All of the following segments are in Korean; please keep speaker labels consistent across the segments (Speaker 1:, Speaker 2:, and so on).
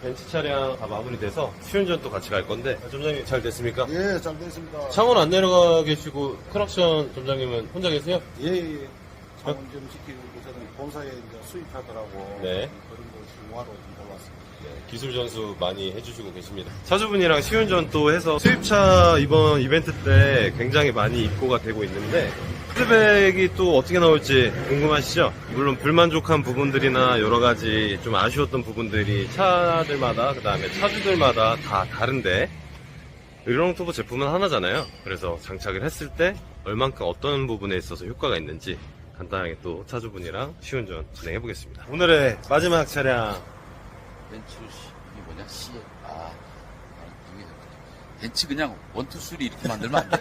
Speaker 1: 벤츠 차량 다 마무리돼서 시운전 또 같이 갈 건데 점장님 잘 됐습니까?
Speaker 2: 예, 잘 됐습니다.
Speaker 1: 창원 안 내려가 계시고 크락션 점장님은 혼자 계세요?
Speaker 2: 예, 예. 창원 좀 시키고 저는 본사에 이제 수입하더라고.
Speaker 1: 네.
Speaker 2: 그런 거 중화로 좀 골랐습니다.
Speaker 1: 기술 전수 많이 해주시고 계십니다. 차주분이랑 시운전 또 해서 수입차 이번 이벤트 때 굉장히 많이 입고가 되고 있는데 피드백이 또 어떻게 나올지 궁금하시죠? 물론 불만족한 부분들이나 여러 가지 좀 아쉬웠던 부분들이 차들마다 그 다음에 차주들마다 다 다른데 의령투보 제품은 하나잖아요. 그래서 장착을 했을 때 얼만큼 어떤 부분에 있어서 효과가 있는지 간단하게 또 차주분이랑 시운전 진행해 보겠습니다. 오늘의 마지막 차량
Speaker 3: 벤츠 이게 뭐냐? 이게 벤츠 그냥 원투 쓰리 이렇게 만들면 안 돼?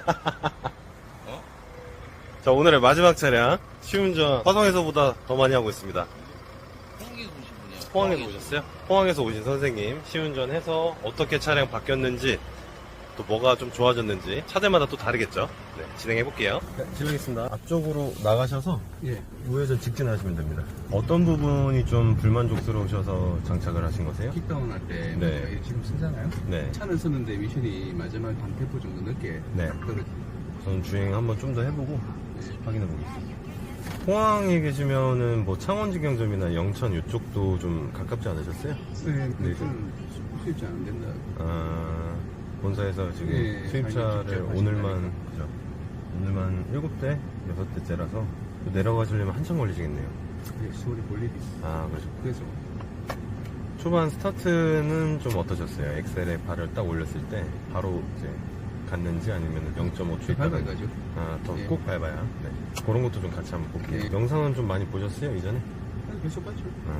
Speaker 1: 자, 오늘의 마지막 차량 시운전 화성에서보다 더 많이 하고 있습니다.
Speaker 3: 포항에서 오신 분이에요.
Speaker 1: 포항에서 오셨어요? 포항에서 오신 선생님 시운전해서 어떻게 차량 바뀌었는지 또 뭐가 좀 좋아졌는지 차들마다 또 다르겠죠. 네, 진행해 볼게요. 네, 실례하겠습니다. 앞쪽으로 나가셔서
Speaker 2: 예.
Speaker 1: 우회전 직진하시면 됩니다. 어떤 부분이 좀 불만족스러우셔서 장착을 하신 거세요?
Speaker 4: 킥다운 할 때
Speaker 1: 네.
Speaker 4: 지금 쓰잖아요.
Speaker 1: 네.
Speaker 4: 차는 쓰는데 미션이 마지막 한 템포 정도 늦게
Speaker 1: 네.
Speaker 4: 딱 떨어져요.
Speaker 1: 저는 주행 한번 좀 더 해보고 확인해 보겠습니다. 포항에 계시면은 뭐 창원직영점이나 영천 이쪽도 좀 가깝지 않으셨어요?
Speaker 4: 네,
Speaker 1: 네.
Speaker 4: 그건 수입자 안 된다.
Speaker 1: 아, 본사에서 지금
Speaker 4: 네,
Speaker 1: 수입차를
Speaker 4: 자기 직접
Speaker 1: 오늘만,
Speaker 4: 하신다니까.
Speaker 1: 그죠? 오늘만 7대, 6대째라서 내려가시려면 한참 걸리시겠네요.
Speaker 4: 수월이 볼 일이 있어.
Speaker 1: 아, 그렇죠.
Speaker 4: 그래서
Speaker 1: 초반 스타트는 좀 어떠셨어요? 엑셀에 발을 딱 올렸을 때 바로 이제 갔는지 아니면 0.5초 있다가
Speaker 4: 밟아가죠.
Speaker 1: 아, 더
Speaker 4: 네.
Speaker 1: 꼭 밟아야. 네. 그런 것도 좀 같이 한번 볼게요.
Speaker 4: 네.
Speaker 1: 영상은 좀 많이 보셨어요, 이전에?
Speaker 4: 계속 봤죠.
Speaker 1: 아,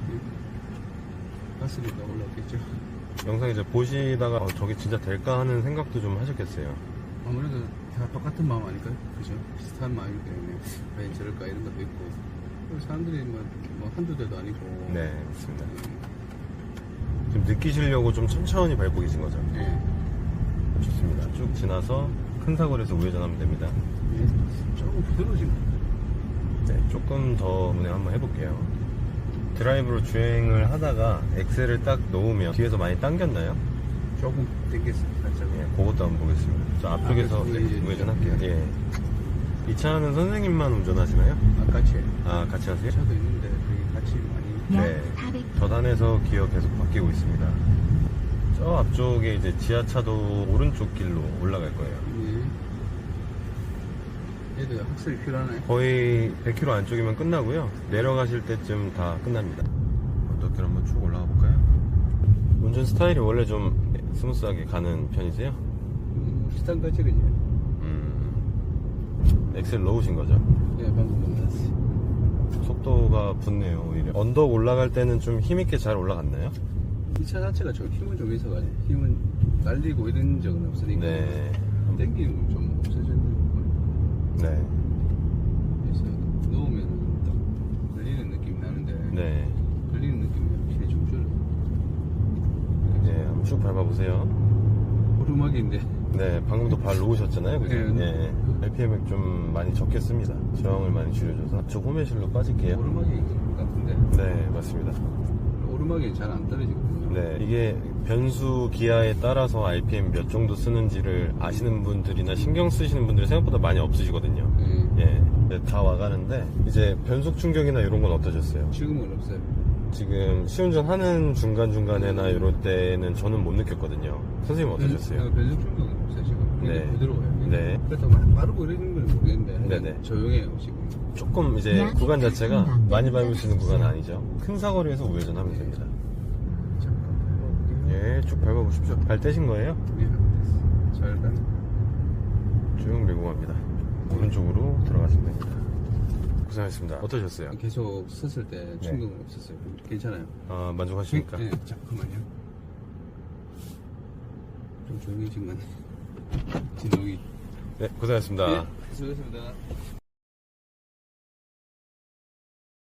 Speaker 4: 봤으니까 올라왔겠죠.
Speaker 1: 영상 이제 보시다가 저게 진짜 될까 하는 생각도 좀 하셨겠어요.
Speaker 4: 아무래도 다 똑같은 마음 아닐까요? 그죠? 비슷한 마음이기 때문에 과연 저럴까 이런 것도 있고 그리고 사람들이 뭐 한두 대도 아니고
Speaker 1: 네, 맞습니다. 좀 느끼시려고 좀 천천히 밟고 계신 거죠?
Speaker 4: 예.
Speaker 1: 좋습니다. 쭉 지나서 큰 사거리에서 우회전하면 됩니다.
Speaker 4: 예. 조금 부드러워진 것 같아요.
Speaker 1: 네, 조금 더 운행 한번 해볼게요. 드라이브로 주행을 하다가 엑셀을 딱 놓으면 뒤에서 많이 당겼나요?
Speaker 4: 조금 땡겼어요, 살짝.
Speaker 1: 예, 그것도 한번 보겠습니다. 저 앞쪽에서
Speaker 4: 그래서
Speaker 1: 네, 우회전할게요. 예. 이 차는 선생님만 운전하시나요?
Speaker 4: 같이 해요.
Speaker 1: 아, 같이 하세요?
Speaker 4: 차도 있는데 그게 같이 많이
Speaker 1: 네. 저단에서 기어 계속 바뀌고 있습니다. 저 앞쪽에 이제 지하차도 오른쪽 길로 올라갈 거예요.
Speaker 4: 예. 얘도 학습이 필요하나요?
Speaker 1: 거의 100km 안쪽이면 끝나고요. 내려가실 때쯤 다 끝납니다. 언덕길 한번 쭉 올라가 볼까요? 운전 스타일이 원래 좀 스무스하게 가는 편이세요?
Speaker 4: 비슷한 거지 그죠?
Speaker 1: 엑셀 넣으신 거죠?
Speaker 4: 예, 방금 만났어요.
Speaker 1: 속도가 붙네요, 오히려. 언덕 올라갈 때는 좀 힘있게 잘 올라갔나요?
Speaker 4: 이 차 자체가 좀 힘은 좀 있어가지고 힘은 날리고 이런 적은 없으니까
Speaker 1: 네.
Speaker 4: 땡기는 좀 없어지는 거
Speaker 1: 네.
Speaker 4: 그래서 넣으면 딱 걸리는 느낌이 나는데
Speaker 1: 네.
Speaker 4: 걸리는 느낌이 확실히 좀 줄어요.
Speaker 1: 네, 한번 쭉 밟아보세요.
Speaker 4: 오르막인데
Speaker 1: 네, 방금도 발 놓으셨잖아요, 그죠?
Speaker 4: 네.
Speaker 1: 예. RPM을 좀 많이 적겠습니다. 저항을 많이 줄여줘서. 앞쪽 호매실로 빠질게요.
Speaker 4: 오르막인 것 같은데
Speaker 1: 네, 맞습니다.
Speaker 4: 오르막이 잘 안 떨어지거든요.
Speaker 1: 네, 이게 변수 기아에 따라서 RPM 몇 정도 쓰는지를 아시는 분들이나 신경 쓰시는 분들이 생각보다 많이 없으시거든요.
Speaker 4: 예.
Speaker 1: 예, 네, 다 와가는데 이제 변속 충격이나 이런 건 어떠셨어요?
Speaker 4: 지금은 없어요.
Speaker 1: 지금 시운전 하는 중간중간에나 이럴 때는 저는 못 느꼈거든요. 선생님 어떠셨어요?
Speaker 4: 변속 충격은 없어요 지금.
Speaker 1: 네.
Speaker 4: 네. 부드러워요.
Speaker 1: 네.
Speaker 4: 그래도 막 빠르고 이러는 건 모르겠는데
Speaker 1: 네네.
Speaker 4: 조용해요 지금.
Speaker 1: 조금 이제 구간 자체가 많이 밟을 수 있는 구간은 아니죠. 큰 사거리에서 우회전하면 됩니다. 예, 쭉 밟아보십시오. 발 떼신 거예요?
Speaker 4: 예, 잘 가네.
Speaker 1: 쭉 밀고 갑니다. 오른쪽으로 들어가시면 됩니다. 고생하셨습니다. 어떠셨어요?
Speaker 4: 계속 섰을 때 충격은 없었어요. 괜찮아요.
Speaker 1: 아, 만족하십니까?
Speaker 4: 네, 잠깐만요. 좀 조용해진 것 같네. 진동이.
Speaker 1: 네, 고생하셨습니다.
Speaker 4: 수고했습니다.